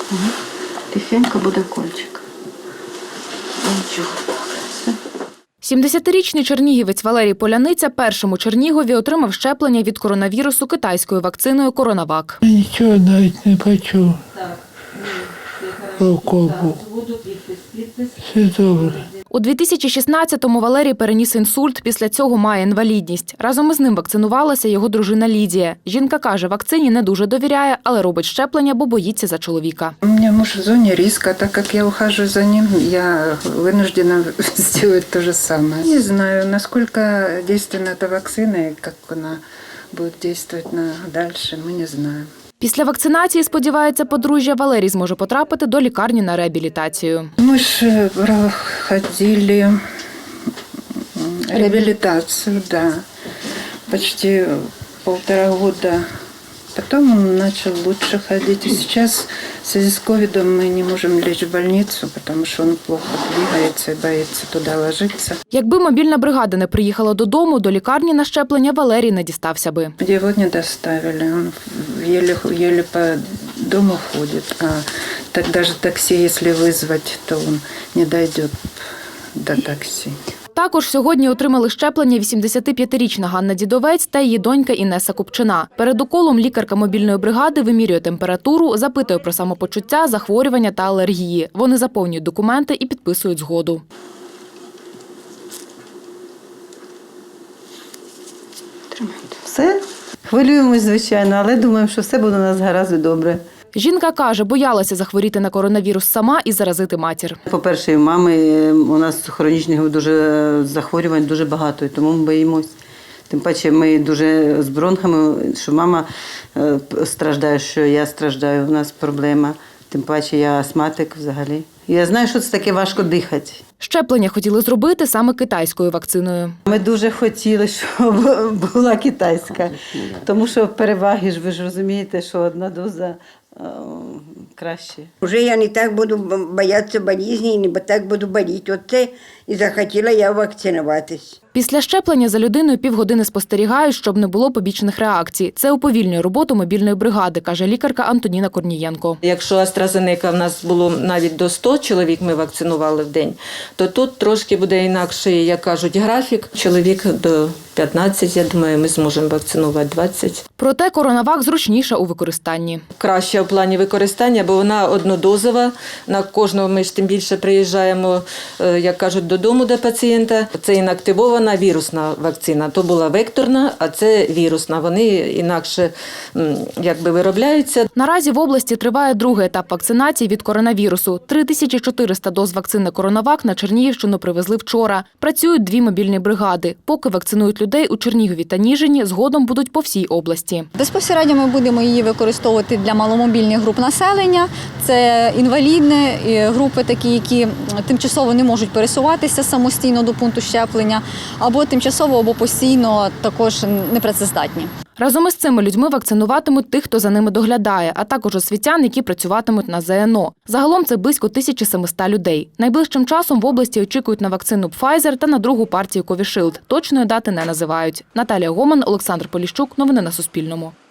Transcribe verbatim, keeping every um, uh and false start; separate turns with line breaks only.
Тихенько буде кольчик. Нічого.
сімдесятирічний чернігівець Валерій Поляниця першим у Чернігові отримав щеплення від коронавірусу китайською вакциною «Коронавак».
Нічого навіть не почув. Уколу. Все добре.
У дві тисячі шістнадцятому Валерій переніс інсульт, після цього має інвалідність. Разом із ним вакцинувалася його дружина Лідія. Жінка каже, вакцині не дуже довіряє, але робить щеплення, бо боїться за чоловіка.
У мене муж в зоні риска, так як я ухаживаю за ним, я вынуждена зробити те ж саме. Не знаю, наскільки действенна ця вакцина і як вона буде діяти далі, ми не знаємо.
Після вакцинації, сподівається подружжя, Валерій зможе потрапити до лікарні на реабілітацію.
Ми ж проходили реабілітацію, да, почти полтора года. Потом он начал лучше ходить. И сейчас в связи с ковидом мы не можем лечь в больницу, потому что он плохо двигается и боится туда ложиться.
Якби мобільна бригада не приїхала додому, до лікарні на щеплення Валерій не дістався би.
Его не доставили, он еле, еле по дому ходит. А так даже такси, если вызвать, то он не дойдет до такси.
Також сьогодні отримали щеплення вісімдесятип'ятирічна Ганна Дідовець та її донька Інеса Купчина. Перед уколом лікарка мобільної бригади вимірює температуру, запитує про самопочуття, захворювання та алергії. Вони заповнюють документи і підписують згоду.
Все. Хвилюємось, звичайно, але думаємо, що все буде у нас гаразд і добре.
Жінка каже, боялася захворіти на коронавірус сама і заразити матір.
По-перше, у мами у нас хронічних дуже захворювань дуже багато, і тому ми боїмось. Тим паче ми дуже з бронхами, що мама страждає, що я страждаю, у нас проблема. Тим паче я астматик взагалі. Я знаю, що це таке важко дихати.
Щеплення хотіли зробити саме китайською вакциною.
Ми дуже хотіли, щоб була китайська, тому що переваги ж, ви ж розумієте, що одна доза е, краще.
Уже я не так буду боятися болезні, не так буду боліти. Оце і захотіла я вакцинуватись.
Після щеплення за людиною півгодини спостерігають, щоб не було побічних реакцій. Це уповільнює роботу мобільної бригади, каже лікарка Антоніна Корнієнко.
Якщо AstraZeneca в нас було навіть до ста чоловік ми вакцинували в день, то тут трошки буде інакший, як кажуть, графік. Чоловік до п'ятнадцяти, я думаю, ми зможемо вакцинувати двадцять.
Проте коронавак зручніша у використанні.
Краще в плані використання, бо вона однодозова. На кожного ми ж тим більше приїжджаємо, як кажуть, додому до пацієнта. Це інактивована вірусна вакцина. То була векторна, а це вірусна. Вони інакше якби виробляються.
Наразі в області триває другий етап вакцинації від коронавірусу. три тисячі чотириста доз вакцини «Коронавак» на Чернігівщину привезли вчора. Працюють дві мобільні бригади. Поки вакцинують людей у Чернігові та Ніжині, згодом будуть по всій області.
Безпосередньо ми будемо її використовувати для маломобільних груп населення. Це інвалідні групи, такі, які тимчасово не можуть пересуватися самостійно до пункту щеплення, або тимчасово, або постійно також непрацездатні.
Разом із цими людьми вакцинуватимуть тих, хто за ними доглядає, а також освітян, які працюватимуть на ЗНО. Загалом це близько тисячі семисот людей. Найближчим часом в області очікують на вакцину Pfizer та на другу партію Covishield. Точної дати не називають. Наталія Гоман, Олександр Поліщук. Новини на Суспільному.